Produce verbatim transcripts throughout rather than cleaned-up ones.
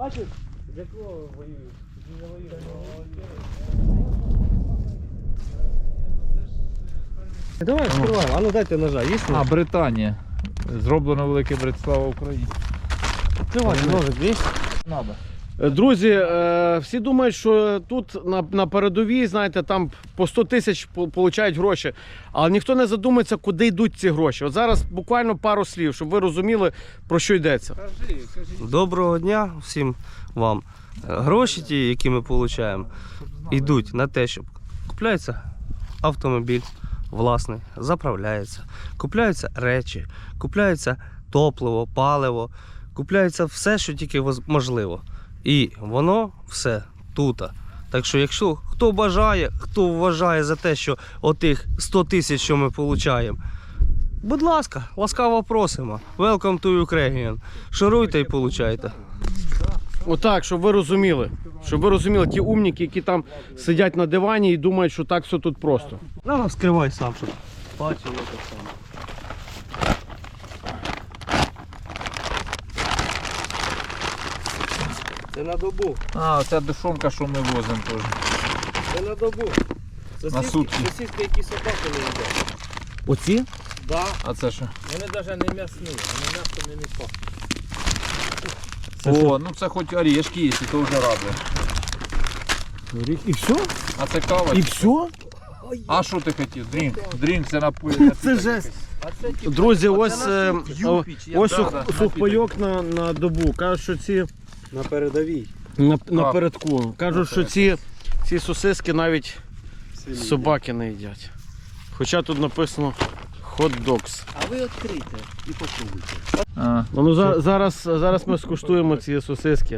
Бачиш? Для кого воюєш? Не воюєш. Давай, відкриваємо. А ну дайте ножа, є? А, Британія. Зроблено Велике Брит, слава Україні. Відкривайте, ножик є? Надо. Друзі, е, всі думають, що тут на, на передовій, знаєте, там по сто тисяч получають гроші, але ніхто не задумується, куди йдуть ці гроші. От зараз буквально пару слів, щоб ви розуміли, про що йдеться. Кажи, кажи. Доброго дня всім вам. Гроші ті, які ми отримуємо, йдуть на те, щоб купляється автомобіль власний, заправляється, купляються речі, купляється топливо, паливо, купляється все, що тільки можливо. І воно все тут. Так що, якщо хто бажає, хто вважає за те, що отих сто тисяч, що ми отримуємо, будь ласка, ласкаво просимо. Welcome to Ukraine. Шуруйте і получайте. Отак, щоб ви розуміли. Щоб ви розуміли, ті умніки, які там сидять на дивані і думають, що так все тут просто. Ну, вскривай сам, щоб бачив, як це саме. Це на добу. А, оця душонка, що ми возимо теж. Це на добу. На сутки. Сосиски, які собаки не їдять. Оці? Да. А це що? Вони навіть не м'ясні, вони м'ясо не пахнуть. О, ну це хоч орешки є, і то вже радує. І все? А це кава? І все? А що ти хотів? Дрінк. Дрінк це напої. Це жесть. Друзі, ось, е, о- ось сух- сухпайок на, на добу. Кажуть, що ці На передовій. на, напередку. Кажуть, що ці, ці сосиски навіть собаки не їдять. Хоча тут написано hot dogs. А ви відкрийте і попробуйте. А, Ну, за- зараз, зараз ми скуштуємо ці сосиски.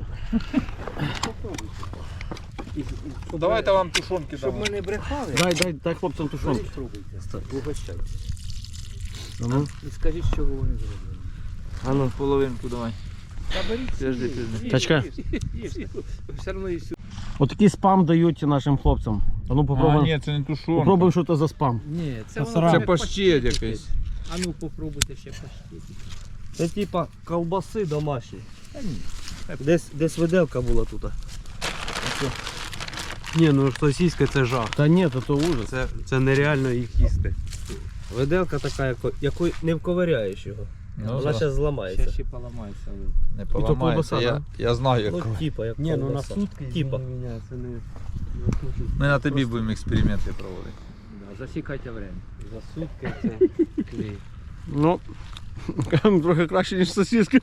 давайте вам тушонки Щоб дамо. ми не брехали, Дай, дай, дай хлопцям тушонки. спробуйте. Угощайте. Ну, І скажіть, що вони зроблені. А ну, половинку давай. Та беріть. Подожди, подожди. Тачка. Все одно і сюди. Отакий спам дають нашим хлопцям. А ну А, попробуємо. ні, це не тушонка. Попробуємо, що це за спам. Ні, це Це воно паштет якийсь. А ну попробуйте ще паштет. Це типа ковбаси домашні. Десь, десь виделка була тут. Ні, ну сосиска це жах. Та ні, то, то ужас. Це, це нереально їх їсти. Виделка така, яко, якою не вковиряєш його. Ну, Вона зараз зараз зламається. Ще поламається. не ковбаса, поламається, я, я знаю, як. Ну, типа, як Ні, ну на ковбаса. сутки Типа. мене це не... Ми на тобі будемо експерименти проводити. Да, засікайте время. За сутки це клей. Ну, трохи краще, ніж сосиски.